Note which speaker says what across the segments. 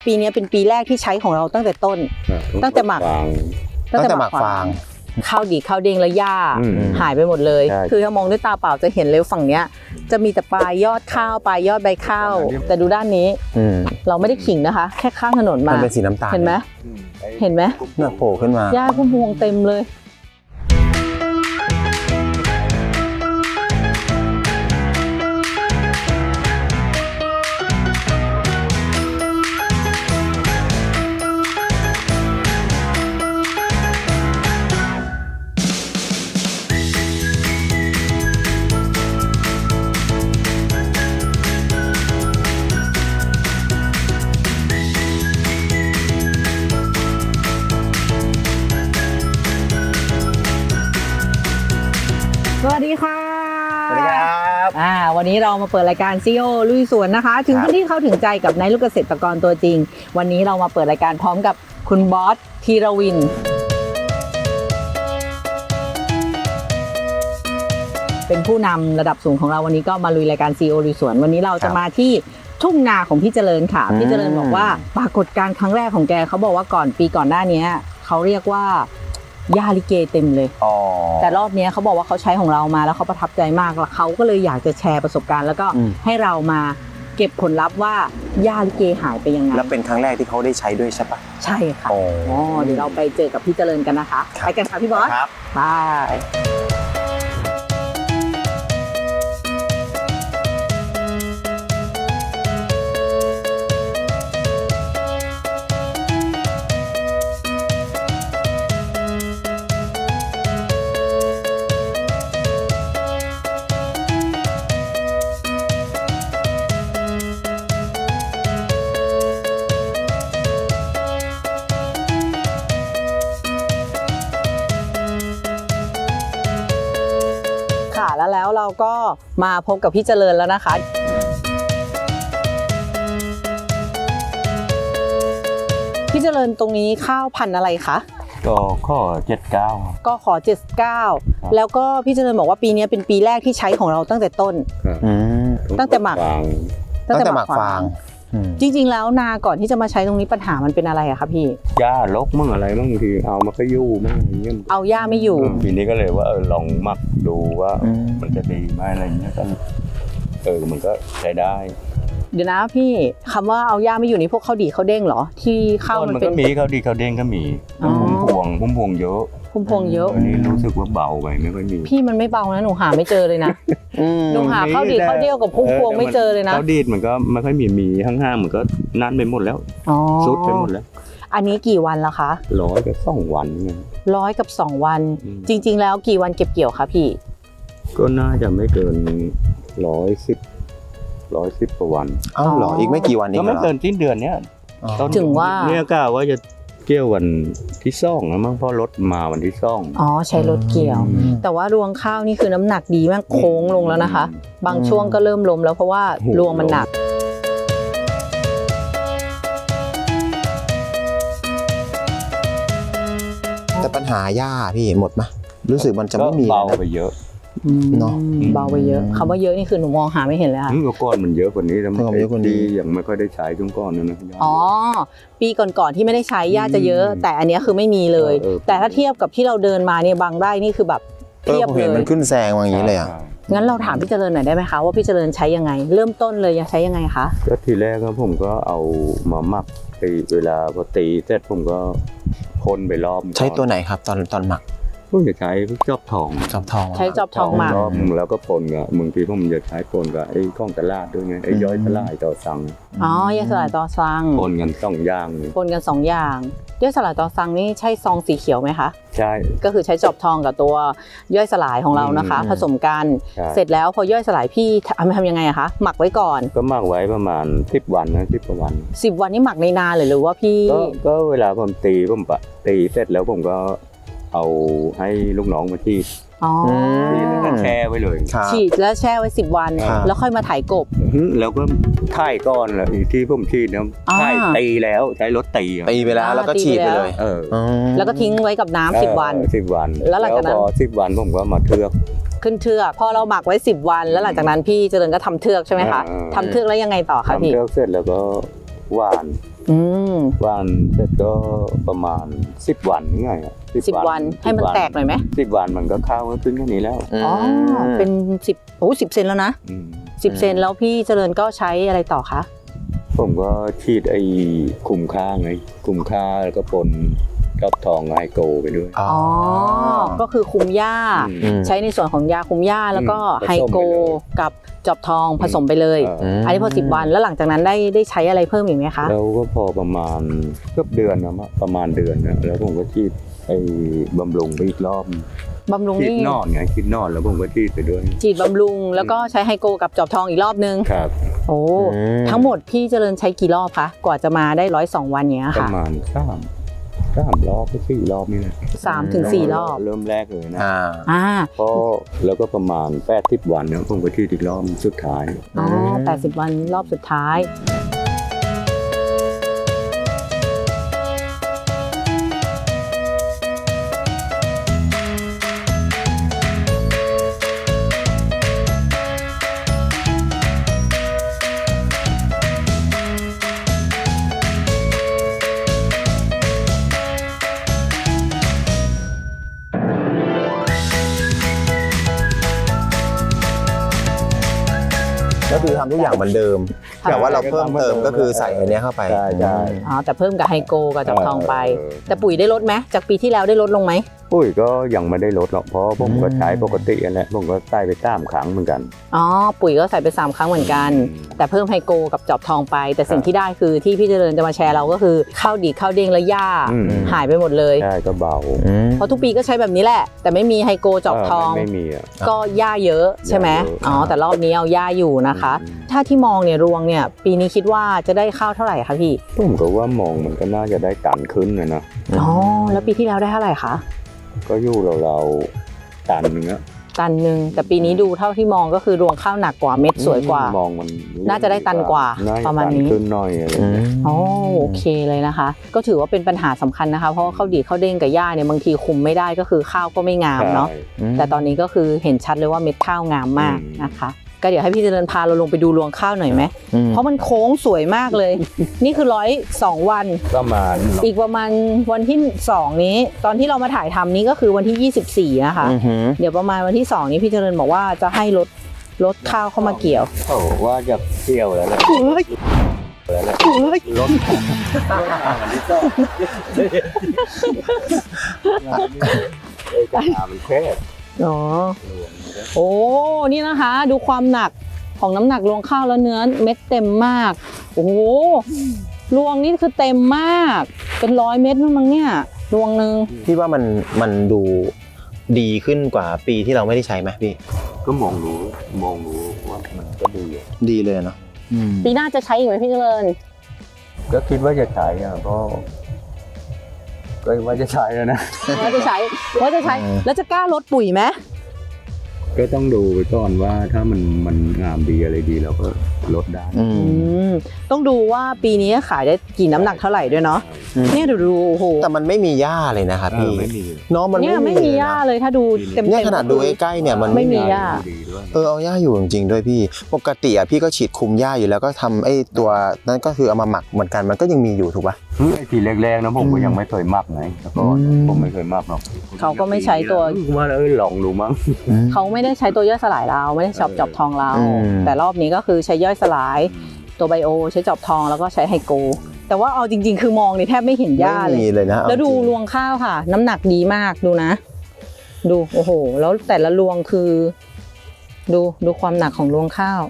Speaker 1: ปีนี้เป็นปีแรกที่ใช้ของเราตั้งแต่ต้นตั้งแต่หมักฟางข้าวดีข้าวเด้งและหญ้าหายไปหมดเลยคือถ้ามองด้วยตาเปล่าจะเห็นเลยฝั่งเนี้ยจะมีแต่ปลายยอดข้าวปลายยอดใบข้าวแต่ดูด้านนี้เราไม่ได้ขิงนะคะแค่ข้างถนนมา
Speaker 2: มันเป็นสีน้ำตาล
Speaker 1: เห็นไหม
Speaker 2: เนี่ยโผล่ขึ้นมา
Speaker 1: หญ้าพุ่มพวงเต็มเลยสวัสดีค่ะ
Speaker 2: สวัสดีครับ
Speaker 1: วันนี้เรามาเปิดรายการซีโอลุยสวนนะคะถึงพื้นที่เข้าถึงใจกับนายลูกเกษตรกรตัวจริงวันนี้เรามาเปิดรายการพร้อมกับคุณบอสธีรวินเป็นผู้นำระดับสูงของเราวันนี้ก็มาลุยรายการซีโอลุยสวนวันนี้เราจะมาที่ทุ่งนาของพี่เจริญค่ะพี่เจริญบอกว่าปรากฏการณ์ครั้งแรกของแกเขาบอกว่าปีก่อนหน้านี้เขาเรียกว่าหญ้าลิเกเต็มเลยแต่รอบนี้เขาบอกว่าเขาใช้ของเรามาแล้วเขาประทับใจมากแล้วเขาก็เลยอยากจะแชร์ประสบการณ์แล้วก็ให้เรามาเก็บผลลัพธ์ว่าหญ้าลิเกหายไปยังไง
Speaker 2: แล้วเป็นครั้งแรกที่เขาได้ใช้ด้วยใช่ปะ
Speaker 1: ใช่ค่ะเดี๋ยวเราไปเจอกับพี่เจริญกันนะคะไปกันค่ะพี่บอส
Speaker 2: ครับ
Speaker 1: ไปแล้วเราก็มาพบกับพี่เจริญแล้วนะคะพี่เจริญตรงนี้ข้าวพันธุ์อะไรคะ
Speaker 3: ก็ข้อ79
Speaker 1: ก็ขอ79แล้วก็พี่เจริญบอกว่าปีนี้เป็นปีแรกที่ใช้ของเราตั้งแต่ต้นตั้งแต่หมักฟางจริงๆแล้วนาก่อนที่จะมาใช้ตรงนี้ปัญหามันเป็นอะไรอะคะพี่
Speaker 3: หญ้าลกมั่งอะไรมั่งทีเอามาก็ยู่มั่งอย่างเงี้ย
Speaker 1: เอาหญ้าไม่อยู่
Speaker 3: ทีนี้ก็เลยว่าลองหมักดูว่ามันจะดีไหมอะไรเงี้ยก็มันก็ใช้ได้
Speaker 1: เดี๋ยวนะพี่คำว่าเอาหญ้าไม่อยู่นี่พวกข้าวดีข้าวเด้งเหรอที่ข้าว
Speaker 3: มันก็มีข้าวดีข้าวเด้งก็มีพุ่มพวงเยอะอันนี้รู้สึกว่าเบาไปไม่ค่อยมี
Speaker 1: พี่มันไม่เบานะหนูหาไม่เจอเลยนะหนูหาข้าวดีข้าวเดียวกับพุ่มพวงไม่เจอเลยนะ
Speaker 3: ข้าวดีมันก็ไม่ค่อยมีข้างๆมันก็นั่นไปหมดแล้วซุดไปหมดแล้ว
Speaker 1: อันนี้กี่วันแล้วคะ
Speaker 3: 100 กับ2 วัน
Speaker 1: 100 กับ 2 วันจริงๆแล้วกี่วันเก็บเกี่ยวคะพี่
Speaker 3: ก็น่าจะไม่เกิน110กว่าวัน
Speaker 2: เหรออีกไม่กี่วันเอง
Speaker 3: ก็ไม่เกินสิ้นเดือนเนี้ย
Speaker 1: ถึงว่า
Speaker 3: เนี่ยกะว่าจะเกี่ยววันที่2นะมั้งเพราะรถมาวันที่2
Speaker 1: ใช้รถเกี่ยวแต่ว่ารวงข้าวนี่คือน้ำหนักดีมากโค้งลงแล้วนะคะบางช่วงก็เริ่มล้มแล้วเพราะว่ารวงมันหนัก
Speaker 2: แต่ปัญหาหญ้าพี่หมดไหมรู้สึกมันจะไม่มี
Speaker 3: เบาไปเยอะ
Speaker 1: เนาะเบาไปเยอะคำว่าเยอะนี่คือหนูมองหาไม่เห็นเลยค่ะ
Speaker 3: ก้อนมันเยอะกว่านี้แล้วมันดีอย่างไม่ค่อยได้ใช้ช่วงก้อนนั่นนะ
Speaker 1: ปีก่อนๆที่ไม่ได้ใช้หญ้าจะเยอะแต่อันนี้คือไม่มีเลยแต่ถ้าเทียบกับที่เราเดินมาเนี่ยบางไร่นี่คือแบบเทียบเลย
Speaker 2: มันขึ้นแซงอย่างนี้เลยอ่ะ
Speaker 1: งั้นเราถามพี่เจริญหน่อยได้ไหมคะว่าพี่เจริญใช้ยังไงเริ่มต้นเลยใช้ยังไงคะ
Speaker 3: ก็ทีแรกผมก็เอามาหมักตีเวลาพอตีเสร็จผมก็พ่นไปรอบ
Speaker 2: ใช้ตัวไหนครับตอนหมัก
Speaker 3: ผมจะใช้จอบทอง
Speaker 1: ใช้จอบทองหมัก
Speaker 3: แล้วก็ปนกับบางทีผมจะใช้ปนกับไอ้ข้องตลาดด้วยไงไอ้ย่อยสลายต่อสั่ง
Speaker 1: ย่อยสลายต่อสั่ง
Speaker 3: ปนกัน2 อย่าง
Speaker 1: ปนกัน2 อย่างย่อยสลายต่อสั่งนี่ใช่ซองสีเขียวไหมคะ
Speaker 3: ใช่
Speaker 1: ก็คือใช้จอบทองกับตัวย่อยสลายของเรานะคะผสมกันเสร็จแล้วพอย่อยสลายพี่ทำยังไงอะคะหมักไว้ก่อน
Speaker 3: ก็หมักไว้ประมาณ10 วันนะ10 กว่าวัน
Speaker 1: 10 วันนี่หมักในนาหรือว่าพี่
Speaker 3: ก็เวลาผมตีเสร็จแล้วผมก็เอาให้ลูกน้องมาฉีดแล้วก็แช่ไว้เลย
Speaker 1: ฉีดแล้วแช่ไว้10 วันแล้วค่อยมาถ่ายกบ
Speaker 3: แล้วก็ถ่ายก้อนแล้วที่ผมฉีดเนี่ยถ่ายตีแล้วใช้รถตี
Speaker 2: ไปแล้วแล้วก็ฉีดไปเลย
Speaker 1: แล้วก็ทิ้งไว้กับน้ำ10 วัน
Speaker 3: แล้วหลังจากนั้น10 วันผมก็มาเทือก
Speaker 1: ขึ้นเทือกพอเราหมักไว้10 วันแล้วหลังจากนั้นพี่เจริญก็ทำเทือกใช่ไหมคะทำเทือกแล้วยังไงต่อคะพี่
Speaker 3: ทำเทือกเสร็จแล้วก็หว่าน
Speaker 1: อืม
Speaker 3: หว่านเสร็จก็ประมาณ10 วันนี่ไงอะ
Speaker 1: 10 วันให้มันแตกหน่อยไหม
Speaker 3: 10 วันมันก็ข้าวก็ขึ้นแค่นี้แล้ว
Speaker 1: อ๋อเป็น10เซนแล้วนะ
Speaker 3: อืม
Speaker 1: 10 เซนแล้วพี่เจริญก็ใช้อะไรต่อคะ
Speaker 3: ผมก็ฉีดไอ้คุมค่าไงคุมค่าแล้วก็ปนกับทองไฮโกไปด้วย
Speaker 2: อ๋อ
Speaker 1: อ๋อก็คือคุมหญ้า
Speaker 3: อืม
Speaker 1: ใช้ในส่วนของยาคุมหญ้าแล้วก็
Speaker 3: ผสมไปเลย
Speaker 1: ไฮโกกับจอบทองผสมไปเลย
Speaker 3: อั
Speaker 1: นนี้พอ10 วันแล้วหลังจากนั้นได้ใช้อะไรเพิ่มอีกไหมคะ
Speaker 3: แล้วก็พอประมาณเกือบเดือนนะประมาณเดือนนะแล้วผมก็ฉีดไอ้บำรุงไปอีกรอบบ
Speaker 1: ำรุง
Speaker 3: ฉีด
Speaker 1: นี่
Speaker 3: นอนไงฉีดนอนแล้วผมก็ฉีดไปด้วย
Speaker 1: ฉีดบำรุงแล้วก็ใช้ไฮโกกับจอบทองอีกรอบนึง
Speaker 3: ครับ
Speaker 1: โอ้ทั้งหมดพี่เจริญใช้กี่รอบคะกว่าจะมาได้102 วันเนี้ย
Speaker 3: ประ
Speaker 1: ค่ะ
Speaker 3: มาณ3 รอบไป4 รอบนี่แหละ
Speaker 1: 3 ถึง 4 รอบ
Speaker 3: เริ่มแรกเลยนะ
Speaker 1: อ่า
Speaker 3: พอแล้วก็ประมาณ80 วันเนี่ยผมก็ฉีดอีกรอบสุดท้าย
Speaker 1: อ๋อ80 วันรอบสุดท้าย
Speaker 2: ก็คือทำทุกอย่างเหมือนเดิม แต่ว่าเราเพิ่มเติมก็คือใส่อันเนี้ยเข้าไป
Speaker 3: ใช่ใช่
Speaker 1: อ๋อแต่เพิ่มกับไฮโกกับจอบทองไป แต่ปุ๋ยได้ลดไหมจากปีที่แล้วได้ลดลงไหม
Speaker 3: ปุ๋ยก็ยังไม่ได้ลดหรอกเพราะผมก็ใช้ปกติอันแหละผมก็ใส่ไป3 ครั้งเหมือนกัน
Speaker 1: อ๋อปุ๋ยก็ใส่ไป3 ครั้งเหมือนกัน แต่เพิ่มไฮโกกับจอบทองไป แต่สิ่งที่ได้คือที่พี่เจริญจะมาแชร์เราก็คือข้าวดีข้าวเด้งและหญ้า
Speaker 3: อืม
Speaker 1: หายไปหมดเลย
Speaker 3: ใช่ก็เบา
Speaker 1: เพราะทุกปีก็ใช้แบบนี้แหละ แต่ไม่มีไฮโกจอบทอง
Speaker 3: ไม่มีอ่ะ
Speaker 1: ก็หญ้าเยอะใช่ไหม
Speaker 3: หญ้าเยอะ
Speaker 1: อ๋อแต่รอบนี้เอาหญ้าอยู่นะคะ ถ้าที่มองเนี่ยรวงเนี่ยปีนี้คิดว่าจะได้ข้าวเท่าไหร่คะพี่
Speaker 3: ผมก็ว่ามองมันก็น่าจะได้ตันขึ้นนะ
Speaker 1: อ๋อแล้วปีที่แล้วได้เท่าไหร่คะ
Speaker 3: ก็อยู่เราๆตันนึงอะ
Speaker 1: ตันหนึ่งแต่ปีนี้ดูเท่าที่มองก็คือรวงข้าวหนักกว่าเม็ดสวยกว่า
Speaker 3: มองมัน
Speaker 1: น่าจะได้ตันกว่า
Speaker 3: น่จ
Speaker 1: ประมาณนี้
Speaker 3: ตัขึ้นหน่อยอะไรอย่างเงี้ย
Speaker 1: อ๋อโอเคเลยนะคะ ก็ถือว่าเป็นปัญหาสำคัญนะคะเพราะว่าข้าวดีข้าวเด้งกับหญ้าเนี่ยบางทีคุมไม่ได้ก็คือข้าวก็ไม่งามเนาะ
Speaker 3: ใช่
Speaker 1: แต่ตอนนี้ก็คือเห็นชัดเลยว่าเม็ดข้าวงามมากนะคะ ก็เดี๋ยวให้พี่เจริญพาเราลงไปดูรวงข้าวหน่อยไหมเพราะมันโค้งสวยมากเลย นี่คือ102 วัน
Speaker 3: ประมาณ
Speaker 1: อีกประมาณวันที่2นี้ตอนที่เรามาถ่ายทำนี้ก็คือวันที่24นะคะเดี๋ยวประมาณวันที่2นี้พี่เจริญบอกว่าจะให้รถข้าวเข้ามาเกี่ยว
Speaker 3: โอ้ว่าจะเที่ยวแล้วแหละแล้วแหละรถอันนี้ก็กระถางมันแคบ
Speaker 1: อ๋อโอ้นี่นะคะ ดูความหนักของน้ำหนักรวงข้าวแล้วเนื้อเม็ดเต็มมากโอ้โหรวงนี่คือเต็มมากเป็น100 เม็ดนู่นมั้งเนี่ยรวงหนึ่ง
Speaker 2: พี่ว่ามันดูดีขึ้นกว่าปีที่เราไม่ได้ใช้ไหมพี่
Speaker 3: ก็มองรู้ว่ามันก็ดี
Speaker 2: ดีเลยเนาะ
Speaker 1: ปีหน้าจะใช้อีกไหมพี่เจริญ
Speaker 3: ก็คิดว่าจะใช้อ่ะก็ว่าจะใช้แล้วนะ
Speaker 1: ว่าจะใช้แล้วจะกล้าลดปุ๋ยไหม
Speaker 3: ก็ต้องดูไปก่อนว่าถ้ามันงามดีอะไรดีเราก็ลดได้
Speaker 1: ต้องดูว่าปีนี้ขายได้กี่น้ำหนักเท่าไหร่ด้วยเนาะเนี่ยดูโอ้โห
Speaker 2: แต่มันไม่มีหญ้าเลยนะครับพี่
Speaker 3: ไม่มี
Speaker 2: เนาะมัน
Speaker 1: เนี่ยไม่มีหญ้าเลยถ้าดูเต็ม
Speaker 2: เนี่ยขนาดดูใกล้ๆเนี่ยมัน
Speaker 1: ไม่มีหญ้า
Speaker 3: ดีด้วย
Speaker 2: เอาหญ้าอยู่จริงๆด้วยพี่ปกติอ่ะพี่ก็ฉีดคุมหญ้าอยู่แล้วก็ทำไอ้ตัวนั้นก็คือเอามาหมักเหมือนกันมันก็ยังมีอยู่ถูกป่ะ
Speaker 3: ไอ้ทีแรกๆนะผมก็ยังไม่เคยมักไงแต่ก่อนผมไม่เคยมักหรอก
Speaker 1: เขาก็ไม่ใช้ตัว
Speaker 3: ว่าลองดูมั้ง
Speaker 1: เขาไม่ได้ใช้ตัวย่อยสลายเราไม่ได้จอบทองเรา แต่รอบนี้ก็คือใช้ย่อยสลายตัวไบโอใช้จอบทองแล้วก็ใช้ไฮโกแต่ว่าเอาจริงๆคือมองนี่แทบไม่เห็นหญ้า
Speaker 2: ไม่มีเลยนะ
Speaker 1: แล้วดูรวงข้าวค่ะ น้ำหนักดีมากดูนะ ดูโอ้โหแล้วแต่ละรวงคือ ดูความหนักของรวงข้าว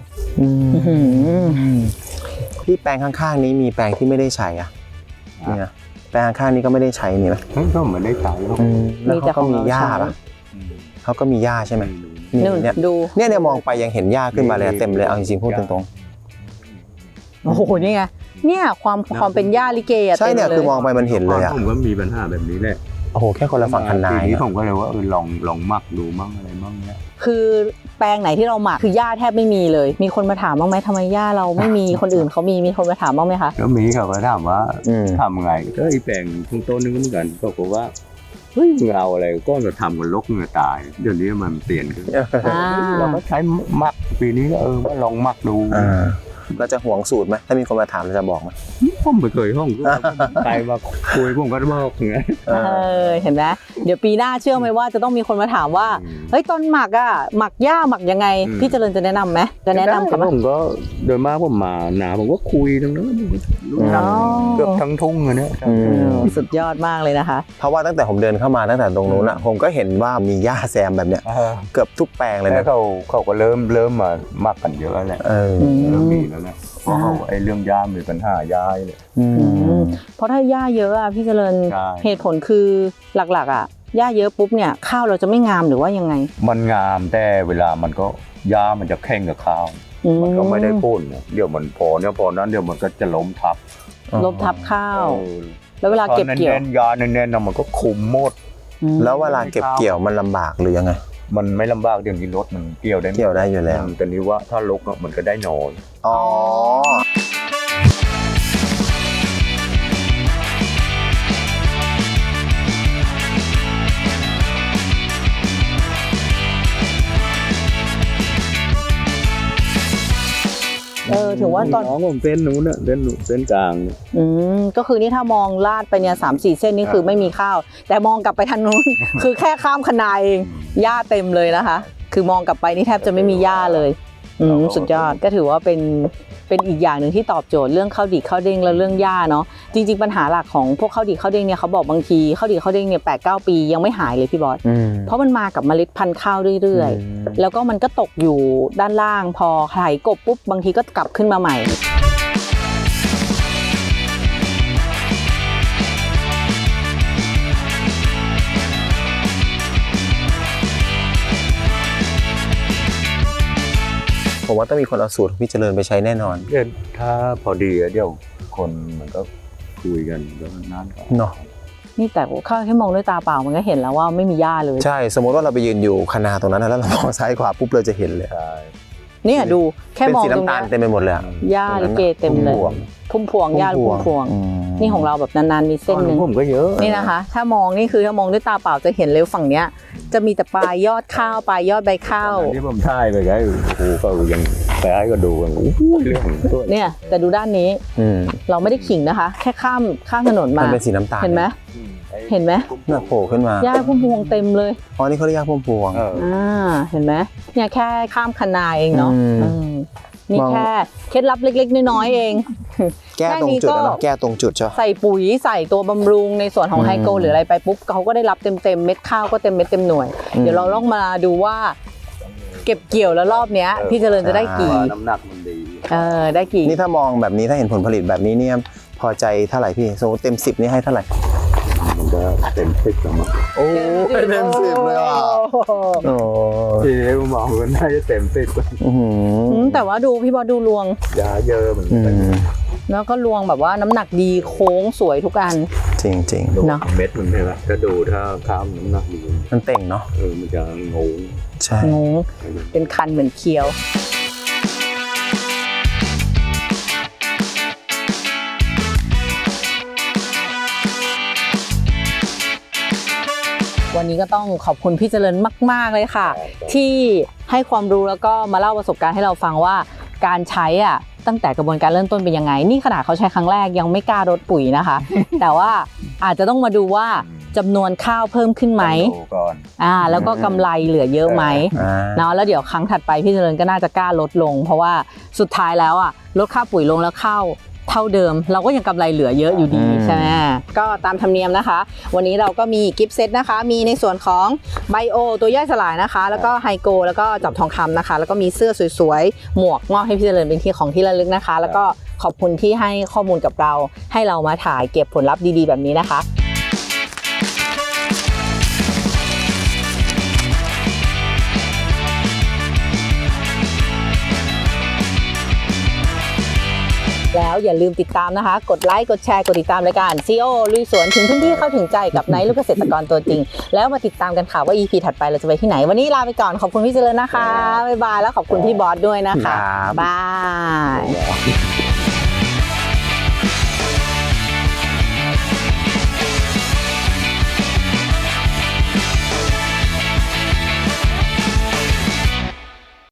Speaker 2: พี่แปลงข้างๆนี้มีแปลงที่ไม่ได้ใช้อ่ะเนี่ยแปลงข้างๆนี้ก็ไม่ได้ใช้นี่ไหม
Speaker 3: ก็เหมือนได้ใช้หรอก
Speaker 2: แล้วเขาก็มีหญ้าป่ะเขาก็มีหญ้าใช่ไหม
Speaker 1: นู่น
Speaker 2: เนี่ย
Speaker 1: ดู
Speaker 2: เนี่ยมองไปยังเห็นหญ้าขึ้นมาเลยเต็มเลยเอาจริงๆพูดตรง
Speaker 1: โอ้โหนี่ไงเนี่ยความเป็นหญ้าลิเกอะ
Speaker 2: ๆใช่เนี่ย
Speaker 1: ต็ล
Speaker 2: คือมองไปมันเห็นเลยอ่ะ
Speaker 3: ผมก็มีปัญหาแบบนี้แหละ
Speaker 2: โอ้โหแค่คนละฝั่งคันนา
Speaker 3: ปี
Speaker 2: ย
Speaker 3: นี้ผมก็เลยว่าลองมักดูมั่งอะไรมั่งเนี่ย
Speaker 1: คือแปลงไหนที่เราหมักคือหญ้าแทบไม่มีเลย มีคนมาถามบ้างไหมทำไมหญ้าเราไม่มีคนอื่นเขามีคนมาถามบ้างไหมคะ
Speaker 3: ก็มีเขาก็ถามว่าทำไงก็ไอ้แปลงทุ่งต้นนึงก็เหมือนกันก็บอกว่าเฮ้ยมึงเอาอะไรก็จะทำกันลกเงือตายเดี๋ยวนี้มันเปลี่ยนขึ้นเราก็ใช้มักปีนี้ก็ว่าลองมักดู
Speaker 2: เราจะห่วงสูตรไหมถ้ามีคนมาถามเราจะบอกไหม
Speaker 3: ผมไม่เคยห้องใครมาคุยผมก็บอกไง
Speaker 1: เห็นไหมเดี๋ยวปีหน้าเชื่อไหมว่าจะต้องมีคนมาถามว่าเฮ้ยตอนหมักอ่ะหมักหญ้าหมักยังไงพี่เจริญจะแนะนำไหมจะแนะนำกับ
Speaker 3: ผมก็โดยมากผมมาหนาผมก็คุยตรงนั้นรู้จักเกือบทั้งทุ่งเลยเนี่ย
Speaker 1: สุดยอดมากเลยนะคะ
Speaker 2: เพราะว่าตั้งแต่ผมเดินเข้ามาตั้งแต่ตรงนู้นอ่ะผมก็เห็นว่ามีหญ้าแซมแบบเนี้ยเกือบทุกแปลงเลย
Speaker 3: แล้
Speaker 2: นะ
Speaker 3: วเขาก็เริ่มมามักกันเยอะแล้วแหละเริ่มมีแล้วแหละเพราะเขาไอ้เรื่องย่ามีปัญหาย้ายเลย
Speaker 1: เพราะถ้าหญ้าเยอะอ่ะพี่เจริญ
Speaker 3: ใช่
Speaker 1: เหตุผลคือหลักๆอ่ะหญ้าเยอะปุ๊บเนี่ยข้าวเราจะไม่งามหรือว่ายังไง
Speaker 3: มันงามแต่เวลามันก็ย่ามันจะแข่งกับข้าวมันก็ไม่ได้พ่นเดี๋ยวมันพอนั้นเดี๋ยวมันก็จะล้มทับ
Speaker 1: ลบทับข้าว แล้วเวลาเก็บเกี่ยว
Speaker 3: แน่นๆยาแน่นๆมันก็คุมหมด
Speaker 2: แล้วเวลาเก็บเกี่ยวมันลำบากหรือยังไง
Speaker 3: มันไม่ลำบากเดี๋ยวนี้รถมันเกี่ยวได้
Speaker 2: เกี่ยวได้อยู่แล้ว
Speaker 3: แต่นี้ว่าถ้าลกมันก็ได้น้อย
Speaker 2: อ๋อ
Speaker 1: ถึงว่าตอน
Speaker 3: น้องผมเส้นนู้นน่ะเส้นกลาง
Speaker 1: ก็คือนี่ถ้ามองลาดไปเนี่ย3-4 เส้นนี่คือไม่มีข้าว แต่มองกลับไปทางนู้น คือแค่ข้ามคะนาเองหญ้าเต็มเลยนะคะ คือมองกลับไปนี่แทบจะไม่มีหญ้าเลยสุดยอดก็ถือว่าเป็นอีกอย่างหนึ่งที่ตอบโจทย์เรื่องข้าวดีข้าวเด้งและเรื่องหญ้าเนาะจริงๆปัญหาหลักของพวกข้าวดีข้าวเด้งเนี่ยเขาบอกบางทีข้าวดีข้าวเด้งเนี่ย8-9 ปียังไม่หายเลยพี่บอสเพราะมันมากับเมล็ดพันธุ์ข้าวเรื่อยๆแล้วก็มันก็ตกอยู่ด้านล่างพอไถกบปุ๊บบางทีก็กลับขึ้นมาใหม่
Speaker 2: ผมว่าต้องมีคนเอาสูตรของพี่เจริญไปใช้แน่นอน
Speaker 3: เดี๋ยวถ้าพอดีเดี๋ยวคนมันก็คุยกันก็นั่นก็
Speaker 2: เนาะ
Speaker 1: นี่แต่ข้าแค่มองด้วยตาเปล่ามันก็เห็นแล้วว่าไม่มีหญ้าเลย
Speaker 2: ใช่สมมติว่าเราไปยืนอยู่คะนาตรงนั้นนะแล้วเรามองซ้ายขวาปุ๊บเราจะเห็นเลย
Speaker 3: ใช่
Speaker 1: เนี่ยดูแค่
Speaker 2: เป็น
Speaker 1: มอง
Speaker 2: สี
Speaker 1: ตรง
Speaker 2: น้ำตาล
Speaker 1: นี้
Speaker 2: เต็มไปหมดเลยอะ
Speaker 1: หญ้าลิเกเต็มเลยพุ่มพวงหญ้าพุ่มพวงนี่ของเราแบบนานๆมีเส้นหนึ่ง
Speaker 3: ผมก็เยอะ
Speaker 1: นี่นะคะ ถ้ามองนี่คือถ้ามองด้วยตาเปล่าจะเห็นเลยฝั่งเนี้ยจะมีแต่ปลายยอดข้าวปลายยอดใบข้าว
Speaker 3: ที่ผมถ่ายไปไงโอ้โหก็ยังไปให้ก็ดูกันโอ้โหเรื่องตัว
Speaker 1: เนี่ยแต่ดูด้านนี้เราไม่ได้ขิงนะคะ แค่ข้ามถนน
Speaker 2: มั
Speaker 1: มาน
Speaker 2: เป็นสีน้ำตาล
Speaker 1: เห็นไหมเห็นไหม
Speaker 2: น่ะโผล่ขึ้นมา
Speaker 1: หญ้าพุ่มพวงเต็มเลย
Speaker 2: อ๋อนี่เขาเรียกหญ้าพุ่มพวง
Speaker 1: เห็นไหมเนี่ยแค่ข้ามคะนาเองเนาะ นี่
Speaker 2: มอง
Speaker 1: แค่เคล็ดลับเล็กๆน้อยๆเอง
Speaker 2: แก้ตรงจุดนะแก้ตรงจุดใช่
Speaker 1: ใส่ปุ๋ยใส่ตัวบำรุงในส่วนของไฮโกหรืออะไรไปปุ๊บเขาก็ได้รับเต็มเม็ดข้าวก็เต็มเม็ดเต็มหน่วย เดี๋ยวเราลองมาดูว่าเก็บเกี่ยวแล้วรอบเนี้ยพี่เจริญจะได้กี่
Speaker 3: น้ำหนักมันดี
Speaker 1: ได้กี่
Speaker 2: นี่ถ้ามองแบบนี้ถ้าเห็นผลผลิตแบบนี้เนี่ยพอใจเท่าไหร่พี่สมมติเต็ม10นี่ให้เท่าไหร่
Speaker 3: มันก็เต็ม10แล้วมั้ง
Speaker 2: โอ้เต็ม10เลยว่ะโอ้
Speaker 3: ทีนี้ผมมองว่าน่าจะเต็ม10
Speaker 1: แต่ว่าดูพี่บอสดูรวง
Speaker 3: ยาเยอะเหมือนกัน
Speaker 1: แล้วก็รวงแบบว่าน้ำหนักดีโค้งสวยทุกอัน
Speaker 2: จริงจริง
Speaker 1: เนอะ
Speaker 3: เม็ดมันใช่ไหมก็ดูถ้าข้าวน้ำหนักดี
Speaker 2: มันเต่งเนาะ
Speaker 3: มันจะงง
Speaker 2: ใช่
Speaker 1: งงเป็นคันเหมือนเคี้ยววันนี้ก็ต้องขอบคุณพี่เจริญมากๆเลยค่ะ ที่ให้ความรู้แล้วก็มาเล่าประสบการณ์ให้เราฟังว่าการใช้ตั้งแต่กระบวนการเริ่มต้นเป็นยังไงนี่ขนาดเขาใช้ครั้งแรกยังไม่กล้ารดปุ๋ยนะคะ แต่ว่าอาจจะต้องมาดูว่าจำนวนข้าวเพิ่มขึ้นไหมแล้วก็กำไรเหลือเยอะไหมเนาะแล้วเดี๋ยวครั้งถัดไปพี่เจริญก็น่าจะกล้าลดลง เพราะว่าสุดท้ายแล้วลดค่าปุ๋ยลงแล้วข้าวเท่าเดิมเราก็ยังกำไรเหลือเยอะอยู่ดีใช่ไหมก็ตามธรรมเนียมนะคะ วันนี้เราก็มีกิฟต์เซตนะคะมีในส่วนของไบโอตัวย่อยสลายนะคะแล้วก็ไฮโกแล้วก็จับทองคำนะคะแล้วก็มีเสื้อสวยๆหมวกมอบให้พี่เจริญเป็นที่ของที่ระลึกนะคะแล้วก็ขอบคุณที่ให้ข้อมูลกับเราให้เรามาถ่ายเก็บผลลัพธ์ดีๆแบบนี้นะคะแล้วอย่าลืมติดตามนะคะกดไลค์กดแชร์กดติดตามรายการ CEO ลุยสวนถึงพื้นที่เข้าถึงใจกับไนท์ลูกเกษตรกรตัวจริงแล้วมาติดตามกันค่ะว่า EP ถัดไปเราจะไปที่ไหนวันนี้ลาไปก่อนขอบคุณพี่เจริญนะคะบ๊ายบายแล้วขอบคุณพี่บอสด้วยนะคะบ๊ายบาย